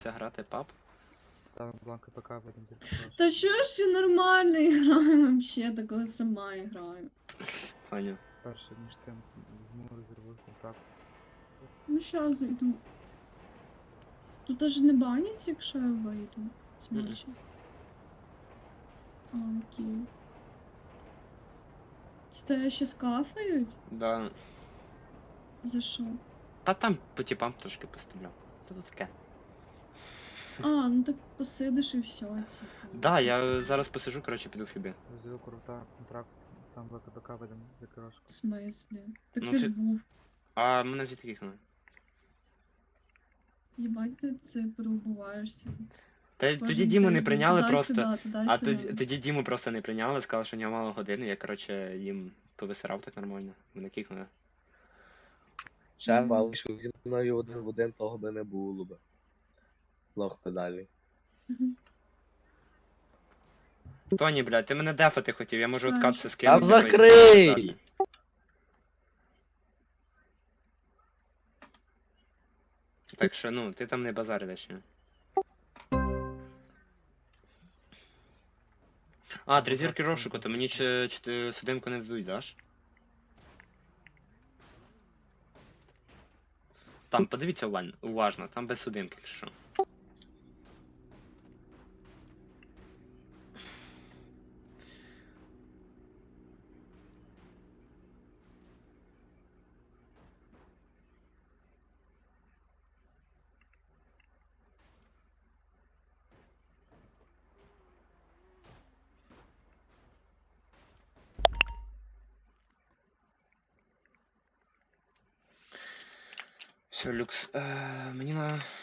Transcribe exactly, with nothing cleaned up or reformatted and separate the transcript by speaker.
Speaker 1: грати паб?
Speaker 2: Там бланка ПК будем записать.
Speaker 3: Та чого ж я нормально граю вообще, так коли сама граю.
Speaker 1: Понял.
Speaker 2: Перше, ніж ти візьму резервую контракт.
Speaker 3: Ну щас зайду. Тут аж не банять, якщо я вийду з
Speaker 1: Мгм.
Speaker 3: матчу. А, окей. Це тебе ще скафають?
Speaker 1: Да.
Speaker 3: За що?
Speaker 1: Та там по типам трошки постріляв. Та то таке.
Speaker 3: А, ну так посидиш і все, типу.
Speaker 1: Да, я зараз посижу, коротше, піду в фібі.
Speaker 2: Резервую крута контракт. Там бланка ПК будем закрошку.
Speaker 3: В смислі? Так
Speaker 1: Ну,
Speaker 3: ти
Speaker 1: ти-
Speaker 3: ж був.
Speaker 1: А мене звідти кикнули.
Speaker 3: Їбать, ти це переубуваєшся.
Speaker 1: Та
Speaker 3: Кожен
Speaker 1: тоді Діму не
Speaker 3: тиждень
Speaker 1: прийняли просто.
Speaker 3: туди-сюди,
Speaker 1: А
Speaker 3: туди-сюди.
Speaker 1: тоді, тоді Діму просто не прийняли, сказали, що у нього мало години, я, коротше, їм повисирав так нормально. Мене кикнули.
Speaker 4: Ще вийшов зі мною один в один, того би не було би. Лох педалі.
Speaker 3: Мгм.
Speaker 1: Тоні, блядь, ти мене дефати хотів, я можу
Speaker 3: Чекай,
Speaker 1: откатися
Speaker 3: щас.
Speaker 1: скинути.
Speaker 4: Та закрий!
Speaker 1: Так що, ну, ти там не базар лишнє. А, три зірки розшуку, то мені чи, чи ти судимку не дадуть, даш? Там, подивіться уваж- уважно, там без судимки, якщо що. Все, люкс. Е, мені на